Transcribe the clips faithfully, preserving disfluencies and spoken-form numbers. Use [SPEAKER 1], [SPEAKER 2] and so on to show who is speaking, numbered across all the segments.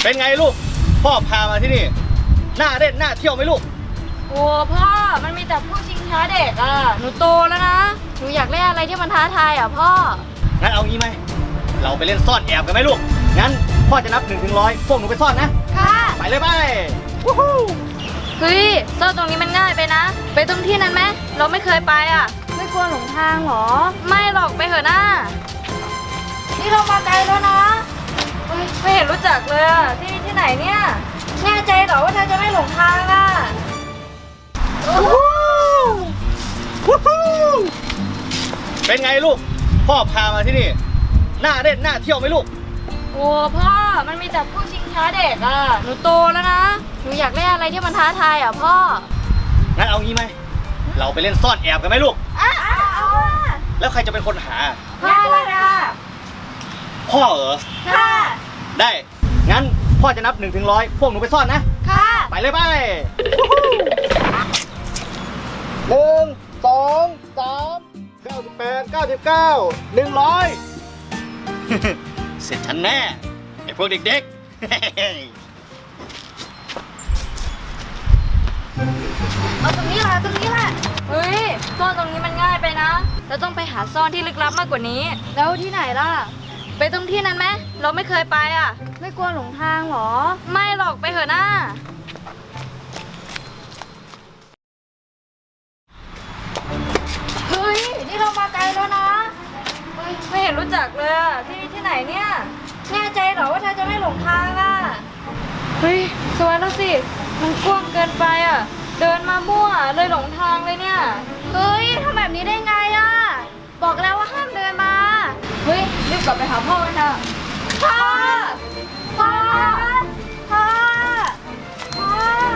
[SPEAKER 1] เป็นไงลูกพ่อพามาที่นี่น่าเล่นน่าเที่ยวไหมลูก
[SPEAKER 2] โอ้พ่อมันมีแต่พวกชิงช้าเด็กอ่ะหนูโตแล้วนะหนูอยากเล่นอะไรที่มันท้าทายอ่ะพ่อ
[SPEAKER 1] งั้นเอางี้ไหมเราไปเล่นซ่อนแอบกันไหมลูกงั้นพ่อจะนับหนึ่งถึงร้อยพวกหนูไปซ่อนนะ
[SPEAKER 2] ค่ะ
[SPEAKER 1] ไปเลยไป
[SPEAKER 2] เฮ้ยซ่อนตรงนี้มันง่ายไปนะไปตรงที่นั้นไหมเราไม่เคยไปอ่ะไม่กลัวหลงทางหรอไม่หรอกไปเถอะนะนี่เรามาไกลแล้วนะไม่เห็นรู้จักเลยอ่ะที่นี่ที่ไหนเนี่ยแน่ใจเหรอว่าเธอจะไม่หลงทางอ่ะ
[SPEAKER 1] เป็นไงลูกพ่อพามาที่นี่น่าเล่นน่าเที่ยวไหมลูก
[SPEAKER 2] โอ้พ่อมันมีแต่พวกชิงช้าเด็กอ่ะหนูโตแล้วนะหนูอยากเล่นอะไรที่มันท้าทายอ่ะพ่อ
[SPEAKER 1] งั้นเอางี้ไหมเราไปเล่นซ่อนแอบกันไหมลูก
[SPEAKER 2] อ้าวเอา
[SPEAKER 1] แล้วใครจะเป็นคนหา
[SPEAKER 2] พ่อเลยค่ะ
[SPEAKER 1] พ่อเหรอ
[SPEAKER 2] ค่ะ
[SPEAKER 1] ได้งั้นพ่อจะนับหนึ่งถึงร้อยพวกหนูไปซ่อนนะ
[SPEAKER 2] ค่ะ
[SPEAKER 1] ไปเลยไปหนึ่งสองสามเก้าสิบแปดเก้าสิบเก้าหนึ่งร้อยเสร็จฉันแน่ไอ้พวกเด็กๆ
[SPEAKER 2] เอาตรงนี้แหละตรงนี้แหละเฮ้ยซ่อนตรงนี้มันง่ายไปนะเราต้องไปหาซ่อนที่ลึกลับมากกว่านี้แล้วที่ไหนล่ะไปตรงที่นั้นไหมเราไม่เคยไปอ่ะไม่กลัวหลงทางหรอไม่หรอกไปเถอะนะเฮ้ยนี่เรามาไกลแล้วนะไม่เห็นรู้จักเลยอ่ะที่นี่ที่ไหนเนี่ยแน่ใจเหรอว่าเธอจะไม่หลงทางอ่ะเฮ้ยสวยแล้วสิมันกว้างเกินไปอ่ะเดินมามั่วเลยหลงทางเลยเนี่ยเฮ้ยทำแบบนี้ได้ไงอ่ะบอกแล้วว่าห้ามเดินมาเฮ้ยรีบกลับไปหาพ่อกันเถอะพ่อพ่อพ่อพ่อ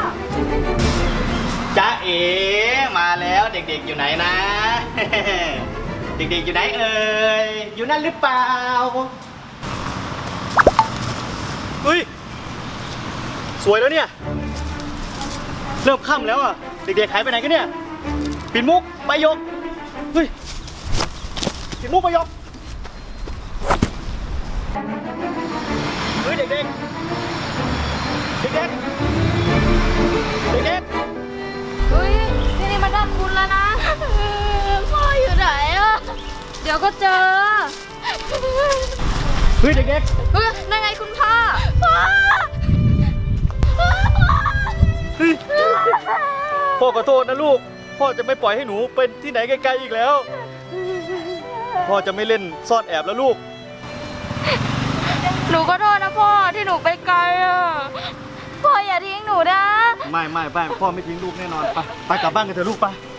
[SPEAKER 1] จ๊ะเอ๋มาแล้วเด็กๆอยู่ไหนนะเด็กๆอยู่ไหนเอ่ยอยู่นั่นหรือเปล่าเฮ้ยสวยแล้วเนี่ยเริ่มค่ำแล้วอ่ะเด็กๆหายไปไหนกันเนี่ยปิ่นมุกใบหยกเฮ้ยปิ่นมุกใบหยกเฮ้ยเด็กๆเด็กๆเด็กๆ
[SPEAKER 2] เฮ้ยที่นี่มันน่าคุ้นแล้วนะพ่ออยู่ไหนอ่ะเดี๋ยวก็เจอ
[SPEAKER 1] เฮ้ยเด็กๆ
[SPEAKER 2] เฮ้ยนั่นไงคุณพ่อพ่อ
[SPEAKER 1] เฮ้ยพ่อขอโทษนะลูกพ่อจะไม่ปล่อยให้หนูเป็นที่ไหนไกลๆอีกแล้วพ่อจะไม่เล่นซ่อนแอบแล้วลูก
[SPEAKER 2] หนูก็โทษนะพ่อที่หนูไปไกลอ่ะพ่ออย่าทิ้งหนูนะ
[SPEAKER 1] ไม่ไม่ไม่พ่อไม่ทิ้งลูกแน่นอนไปไปกลับบ้านกันเถอะลูกไป